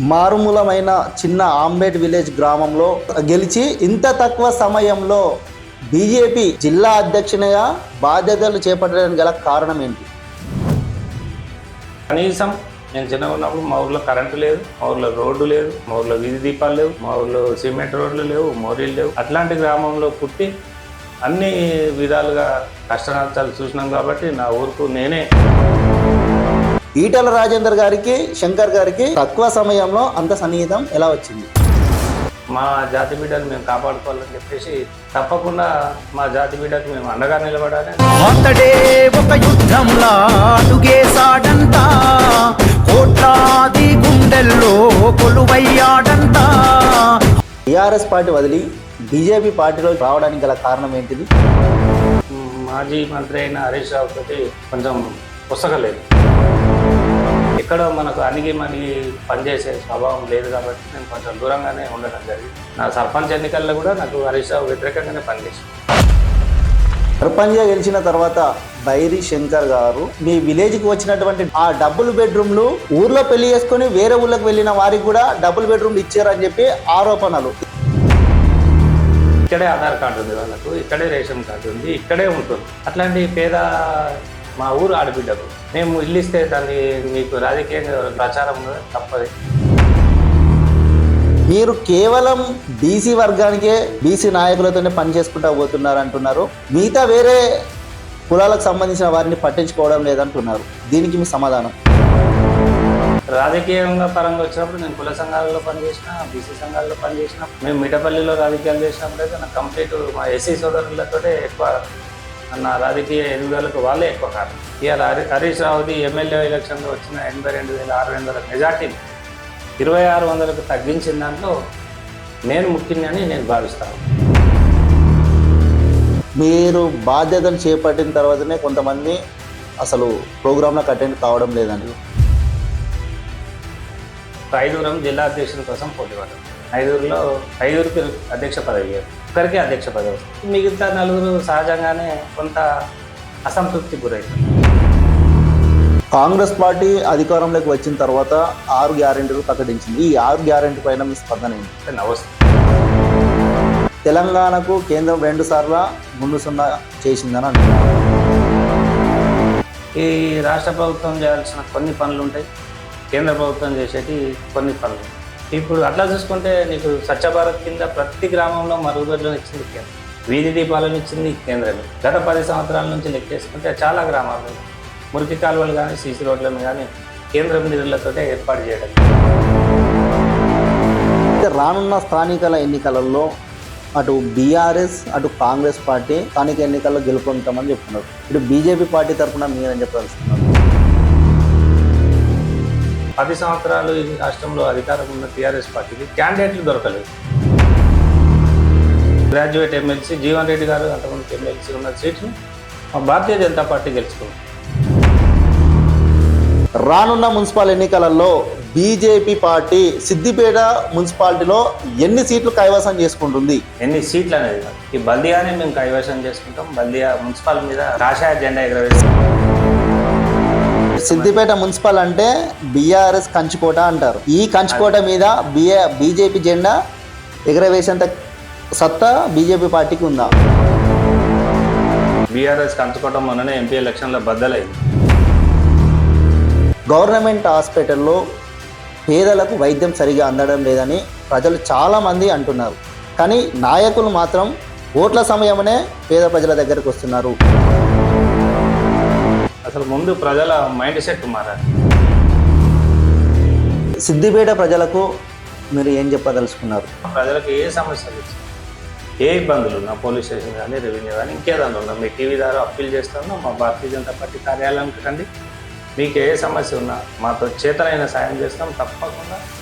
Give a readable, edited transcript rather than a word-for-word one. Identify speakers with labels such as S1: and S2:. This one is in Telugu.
S1: మారుమూలమైన చిన్న ఆంబేడ్ విలేజ్ గ్రామంలో గెలిచి ఇంత తక్కువ సమయంలో బీజేపీ జిల్లా అధ్యక్షునిగా బాధ్యతలు చేపట్టడానికి గల కారణం ఏంటి?
S2: కనీసం నేను చిన్నగా ఉన్నప్పుడు మా ఊర్లో కరెంటు లేదు, మా ఊర్లో రోడ్డు లేదు, మా ఊర్లో వీధి దీపాలు లేవు, మా ఊర్లో సిమెంట్ రోడ్లు లేవు, మోరీలు లేవు. అట్లాంటి గ్రామంలో పుట్టి అన్ని విధాలుగా కష్టనష్టాలు చూసినాం కాబట్టి నా ఊరుకు నేనే.
S1: ఈటల రాజేందర్ గారికి శంకర్ గారికి తక్కువ సమయంలో అంత సన్నిహితం ఎలా వచ్చింది?
S2: మా జాతి బిడ్డను మేము కాపాడుకోవాలని చెప్పేసి తప్పకుండా మా జాతి బిడ్డకు మేము అండగా నిలబడాలి.
S3: అతడే ఒక యుద్ధంలా అడుగేసాడంట, కోట్లాది గుండెల్లో కొలువయ్యాడంట.
S1: టీఆర్ఎస్ పార్టీ వదిలి బీజేపీ పార్టీలో రావడానికి గల కారణం ఏంటిది?
S2: మాజీ మంత్రి అయిన హరీష్ రావు తోటి కొంచెం పుస్తకలేదు. ఎక్కడో మనకు అణిగి మణిగి పనిచేసే స్వభావం లేదు కాబట్టి నేను కొంచెం దూరంగానే ఉండడం జరిగింది. నా సర్పంచ్ ఎన్నికల్లో కూడా నాకు హరీష్ రావు వ్యతిరేకంగానే పనిచేసింది.
S1: సర్పంచ్గా గెలిచిన తర్వాత బైరి శంకర్ గారు మీ విలేజ్కి వచ్చినటువంటి ఆ డబుల్ బెడ్రూమ్లు ఊర్లో పెళ్లి చేసుకొని వేరే ఊళ్ళకి వెళ్ళిన వారికి కూడా డబుల్ బెడ్రూమ్లు ఇచ్చారని చెప్పి ఆరోపణలు.
S2: ఇక్కడే ఆధార్ కార్డు ఉంది వాళ్ళకు, ఇక్కడే రేషన్ కార్డు ఉంది, ఇక్కడే ఉంటుంది. అట్లాంటి పేద మా ఊరు ఆడబిడ్డకు మేము ఇల్లు ఇస్తే దాన్ని మీకు రాజకీయంగా ప్రచారం తప్పదు.
S1: మీరు కేవలం బీసీ వర్గానికే బీసీ నాయకులతోనే పని చేసుకుంటూ పోతున్నారు అంటున్నారు, మిగతా వేరే కులాలకు సంబంధించిన వారిని పట్టించుకోవడం లేదంటున్నారు. దీనికి మీ సమాధానం?
S2: రాజకీయంగా పరంగా వచ్చినప్పుడు నేను కుల సంఘాలలో పనిచేసిన, బీసీ సంఘాలలో పనిచేసిన, మేము మిఠపల్లిలో రాజకీయాలు చేసినప్పుడు అయితే నాకు కంప్లీట్ మా ఎస్సీ సోదరులతోనే ఎక్కువ నా రాజకీయ ఎదుగుదలకు వాళ్ళే ఎక్కువ కారణం. ఇవాళ హరీష్ రావుది ఎమ్మెల్యే ఎలక్షన్లో వచ్చిన 82,600 మెజార్టీని 2,600కు తగ్గించిన దాంట్లో నేను ముఖ్యంగానే నేను భావిస్తాను.
S1: మీరు బాధ్యతలు చేపట్టిన తర్వాతనే కొంతమంది అసలు ప్రోగ్రాంలకు అటెండ్ కావడం లేదండి.
S2: ఐదుగురం జిల్లా అధ్యక్షుల కోసం పోటీ పడ్డారు. ఐదుగురికి అధ్యక్ష పదవి, ఒక్కరికి అధ్యక్ష పదవి వస్తుంది. మిగతా నలుగురు సహజంగానే కొంత అసంతృప్తికి గురవుతారు.
S1: కాంగ్రెస్ పార్టీ అధికారంలోకి వచ్చిన తర్వాత 6 గ్యారెంటీలు ప్రకటించింది. ఈ 6 గ్యారెంటీ పైన మీ స్పందన ఏంటి?
S2: నవస్తుంది.
S1: తెలంగాణకు కేంద్రం 2 సార్లు ముందు సున్నా చేసిందని అంటున్నారు.
S2: ఈ రాష్ట్ర ప్రభుత్వం చేయాల్సిన కొన్ని పనులు ఉంటాయి, కేంద్ర ప్రభుత్వం చేసేటి కొన్ని పనులు. ఇప్పుడు అట్లా చూసుకుంటే నీకు స్వచ్ఛ భారత్ కింద ప్రతి గ్రామంలో మరుగుదొడ్లను ఇచ్చింది కేంద్రం, వీధి దీపాలను ఇచ్చింది కేంద్రమే. గత 10 సంవత్సరాల నుంచి లెక్కేసుకుంటే చాలా గ్రామాలు మురికి కాలువలు కానీ సీసీ రోడ్లను కానీ కేంద్రం నిధులతో ఏర్పాటు చేయడం.
S1: రానున్న స్థానికల ఎన్నికలలో అటు బీఆర్ఎస్ అటు కాంగ్రెస్ పార్టీ స్థానిక ఎన్నికల్లో గెలుపొందుతామని చెప్తున్నారు. ఇటు బీజేపీ పార్టీ తరఫున మీరని చెప్పదలుచుకున్నారు.
S2: 10 సంవత్సరాలు ఈ రాష్ట్రంలో అధికారం ఉన్న టీఆర్ఎస్ పార్టీకి క్యాండిడేట్లు దొరకలేదు. గ్రాడ్యుయేట్ ఎమ్మెల్సీ జీవన్ రెడ్డి గారు అంతకుముందు ఎమ్మెల్సీ ఉన్న సీట్ని మా భారతీయ జనతా పార్టీ గెలుచుకుంది.
S1: రానున్న మున్సిపల్ ఎన్నికలలో బీజేపీ పార్టీ సిద్దిపేట మున్సిపాలిటీలో ఎన్ని సీట్లు కైవసం చేసుకుంటుంది?
S2: ఎన్ని సీట్లు అనేది కాదు, ఈ బల్దియానే మేము కైవసం చేసుకుంటాం. బల్దియా మున్సిపల్ మీద కాషాయ జెండా ఎగరవేస్తాం.
S1: సిద్దిపేట మున్సిపల్ అంటే బీఆర్ఎస్ కంచుకోట అంటారు. ఈ కంచుకోట మీద బీజేపీ జెండా ఎగరవేసేంత సత్తా బీజేపీ పార్టీకి ఉందా?
S2: బీఆర్ఎస్ కంచుకోవడం మొన్ననే ఎంపీ ఎలక్షన్లో బద్దలైంది.
S1: గవర్నమెంట్ హాస్పిటల్లో పేదలకు వైద్యం సరిగా అందడం లేదని ప్రజలు చాలామంది అంటున్నారు. కానీ నాయకులు మాత్రం ఓట్ల సమయమనే పేద ప్రజల దగ్గరకు వస్తున్నారు.
S2: అసలు ముందు ప్రజల మైండ్ సెట్ మారాలి.
S1: సిద్దిపేట ప్రజలకు మీరు ఏం చెప్పదలుచుకున్నారు?
S2: ప్రజలకు ఏ సమస్యలు వచ్చినా, ఏ ఇబ్బందులు ఉన్నా పోలీస్ స్టేషన్ కానీ రెవెన్యూ కానీ ఇంకేదన్నా ఉన్నా మీ టీవీ ద్వారా అప్పీల్ చేస్తాను. మా భారతీయ జనతా పార్టీ కార్యాలయానికి రండి. మీకు ఏ సమస్య ఉన్నా మాతో చేతనైన సాయం చేస్తాం తప్పకుండా.